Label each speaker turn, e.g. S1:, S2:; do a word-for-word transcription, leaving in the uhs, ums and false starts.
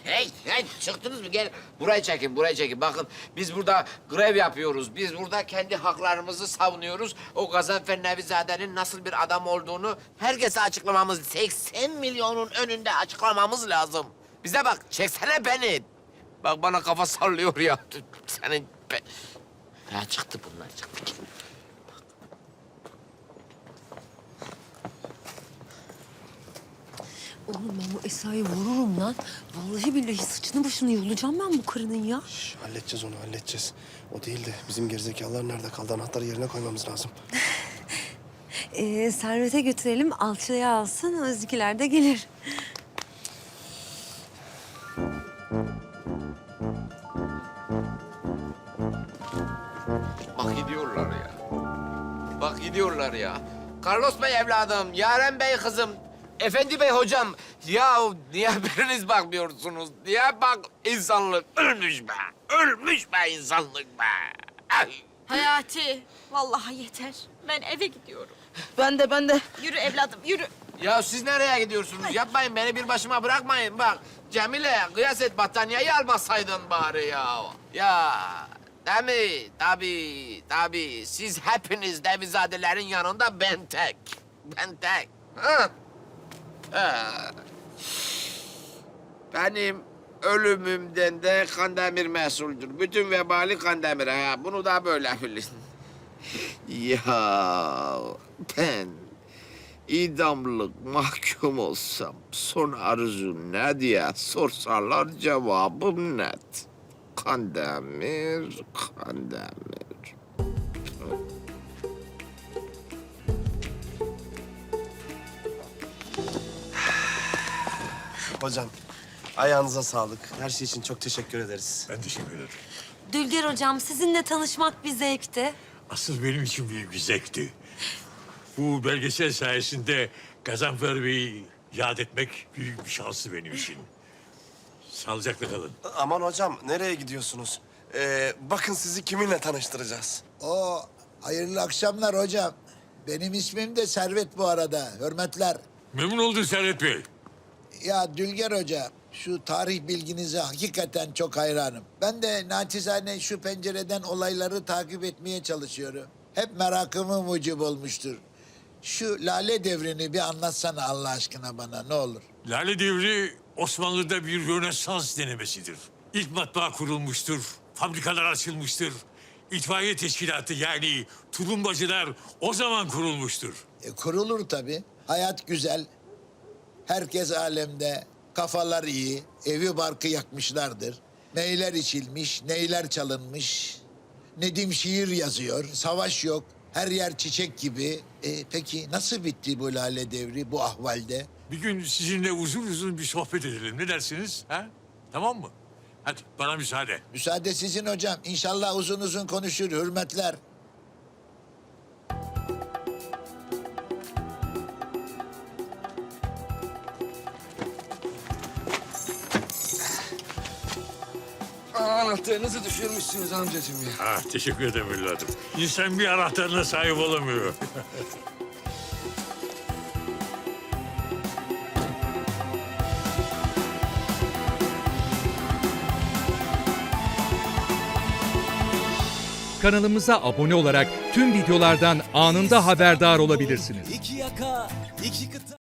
S1: hey, hey, çıktınız mı? Gel burayı çekin, burayı çekin. Bakın biz burada grev yapıyoruz. Biz burada kendi haklarımızı savunuyoruz. O Gazanfer Nevizade'nin nasıl bir adam olduğunu herkese açıklamamız, seksen milyonun önünde açıklamamız lazım. Bize bak, çeksene beni. Bak bana kafa sallıyor ya. Senin... Be... Ya çıktı bunlar, çıktı.
S2: Oğlum ben bu Esra'yı vururum lan. Vallahi billahi saçını başını yolacağım ben bu karının ya.
S3: Şş, halledeceğiz onu, halledeceğiz. O değil de bizim gerizekalılar nerede kaldı? Anahtarı yerine koymamız lazım.
S2: Ee, Servet'e götürelim, alçıya alsın, Özgüler de gelir.
S1: Bak gidiyorlar ya. Bak gidiyorlar ya. Carlos Bey evladım, Yaren Bey kızım, Efendi Bey hocam. Ya niye biriniz bakmıyorsunuz? Niye bak insanlık ölmüş be. Ölmüş be insanlık be. Ay.
S4: Hayati, vallahi yeter. Ben eve gidiyorum.
S5: Ben de ben de.
S4: Yürü evladım, yürü.
S1: Ya siz nereye gidiyorsunuz? Yapmayın beni bir başıma bırakmayın. Bak Cemile kıyas et battaniyeyi almasaydın bari ya. Ya değil mi? Tabii tabii. Siz hepiniz Nevizadelerin yanında ben tek. Ben tek. Ha? Ha. Benim ölümümden de Kandemir mesuldür. Bütün vebali Kandemir'e. Ha. Bunu da böyle bilin. Ya ben idamlık mahkum olsam son arzu ne diye sorsalar cevabım net. Kandemir, Kandemir.
S3: Hocam, ayağınıza sağlık. Her şey için çok teşekkür ederiz.
S6: Ben teşekkür ederim.
S2: Dülger hocam, sizinle tanışmak bir zevkti.
S6: Asıl benim için büyük bir zevkti. Bu belgesel sayesinde Gazanfer Bey'i yad etmek büyük bir şanstı benim için. Sağlıcakla kalın.
S3: Aman hocam, nereye gidiyorsunuz? Ee, bakın sizi kiminle tanıştıracağız.
S7: O hayırlı akşamlar hocam. Benim ismim de Servet bu arada. Hürmetler.
S6: Memnun oldum Servet Bey.
S7: Ya Dülger Hoca, şu tarih bilginize hakikaten çok hayranım. Ben de naçizane şu pencereden olayları takip etmeye çalışıyorum. Hep merakımı mucib olmuştur. Şu Lale Devri'ni bir anlatsana Allah aşkına bana ne olur.
S6: Lale Devri Osmanlı'da bir Rönesans denemesidir. İlk matbaa kurulmuştur, fabrikalar açılmıştır. İtfaiye teşkilatı yani tulumbacılar o zaman kurulmuştur.
S7: E, kurulur tabii. Hayat güzel. Herkes alemde. Kafalar iyi. Evi barkı yakmışlardır. Neyler içilmiş, neyler çalınmış. Nedim şiir yazıyor. Savaş yok. Her yer çiçek gibi. E, peki nasıl bitti bu Lale Devri bu ahvalde?
S6: Bir gün sizinle uzun uzun bir sohbet edelim. Ne dersiniz? Ha? Tamam mı? Hadi bana müsaade.
S7: Müsaade sizin hocam. İnşallah uzun uzun konuşur. Hürmetler.
S8: Anahtarınızı düşürmüşsünüz amcacığım ya.
S6: Ah, teşekkür ederim evladım. İnsan bir anahtarına sahip olamıyor.
S9: Kanalımıza abone olarak tüm videolardan anında haberdar olabilirsiniz.
S8: İki yaka, iki kıta.